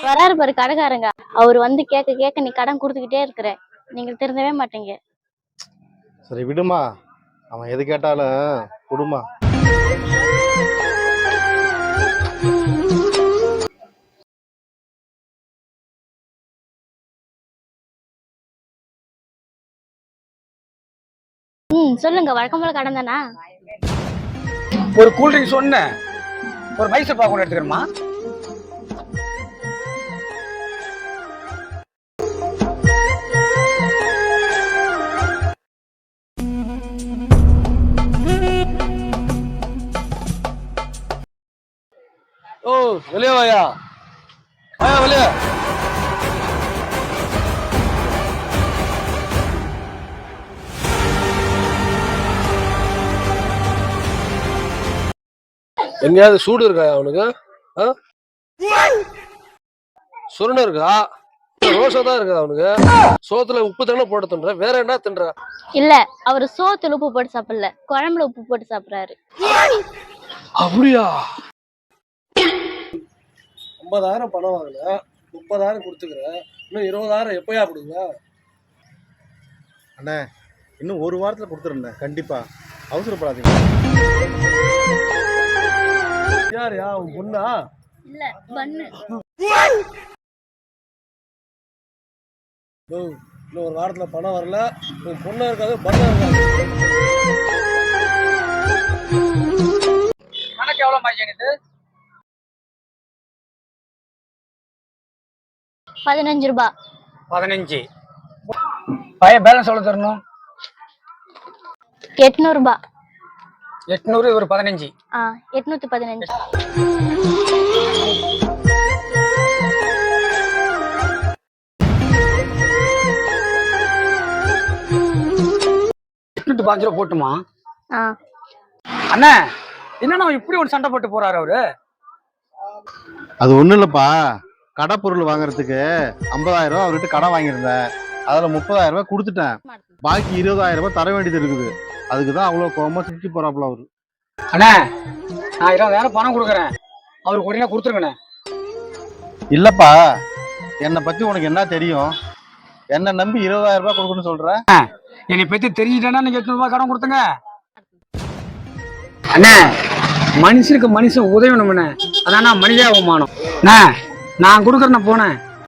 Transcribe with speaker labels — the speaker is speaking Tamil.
Speaker 1: வராரு பாரு கடைக்காரங்க. அவர் வந்து கேட்க கேட்க நீ கடன் கொடுத்துக்கிட்டே இருக்கிற. நீங்க திருந்தவே மாட்டீங்க.
Speaker 2: சரி விடுமா, அவன் எது கேட்டாலும் கொடுமா.
Speaker 1: சொல்லுங்க. வழக்கம் போல கடன் தானா?
Speaker 3: ஒரு கூல்ட்ரிங்க் சொன்னேன், ஒரு மைசூர் பாக்கு ஒன்று எடுத்துக்கிறோமா?
Speaker 4: ஓ வெளியே வாயா, வாயா வெளியே. எங்கேயாவது சூடு இருக்கா அவனுக்கு? சுருண இருக்கா? ரோஷா தான் இருக்கா அவனுக்கு? சோத்துல உப்பு தானே போட்டு தின்ற, வேற என்ன தின்ற?
Speaker 1: இல்ல, அவரு சோத்துல உப்பு போட்டு சாப்பிடல, குழம்புல உப்பு போட்டு சாப்பிடுறாரு.
Speaker 4: அப்படியா? 50,000 பணம் வாங்கல, 30,000 கொடுத்துக்கிறேன், இன்னும் 20,000 எப்பயா கொடுங்க?
Speaker 2: அண்ணே இன்னும் ஒரு வாரத்தில் கொடுத்துருந்தேன், கண்டிப்பா அவசரப்படாதீங்க.
Speaker 4: யாருயா உன் பொண்ணா?
Speaker 1: இல்ல, பண்ணு.
Speaker 4: இன்னும் ஒரு வாரத்துல பணம் வரல, உன் பொண்ணா இருக்காது, பண்ணா இருக்காது.
Speaker 3: கணக்கு எவ்வளவு மாட்டேங்குது?
Speaker 1: 15 ரூபாய்.
Speaker 3: 15. பையன் பேலன்ஸ் எவ்வளவு தரணும்?
Speaker 1: 800 ரூபாய்.
Speaker 3: 800 ஒரு 15.
Speaker 1: 815.
Speaker 3: $805 போட்டுமா?
Speaker 1: ஆ.
Speaker 3: அண்ணா என்னன்னா இப்படி ஒரு சண்டை போட்டு போறாரு அவரு?
Speaker 2: அது ஒன்றும் இல்லைப்பா, கடை பொருள் வாங்குறதுக்கு 50,000 ரூபா அவர்கிட்ட கடன் வாங்கியிருந்தேன். அதில் 30,000 ரூபாய் கொடுத்துட்டேன். பாக்கி 20,000 ரூபாய் தர வேண்டியது இருக்குது. அதுக்கு தான் அவ்வளோ கோவமா சிரிச்சு போறாப்புல அவரு.
Speaker 3: அண்ணா நான் 20,000 பணம் கொடுக்குறேன், அவருக்கு உடனே கொடுத்துருங்கண்ணே.
Speaker 2: இல்லப்பா, என்னை பத்தி உனக்கு என்ன தெரியும்? என்ன நம்பி 20,000 ரூபாய் கொடுக்கணும்னு சொல்ற?
Speaker 3: என்னை பத்தி தெரிஞ்சுட்டேன்னா நீங்க 800 ரூபாய் கடன் கொடுத்துங்க. அண்ணா மனுஷனுக்கு மனுஷன் உதவணும்ண்ணே, அதானா மனிதாபிமானம். நான் கொடுக்குறேன், போனேன்.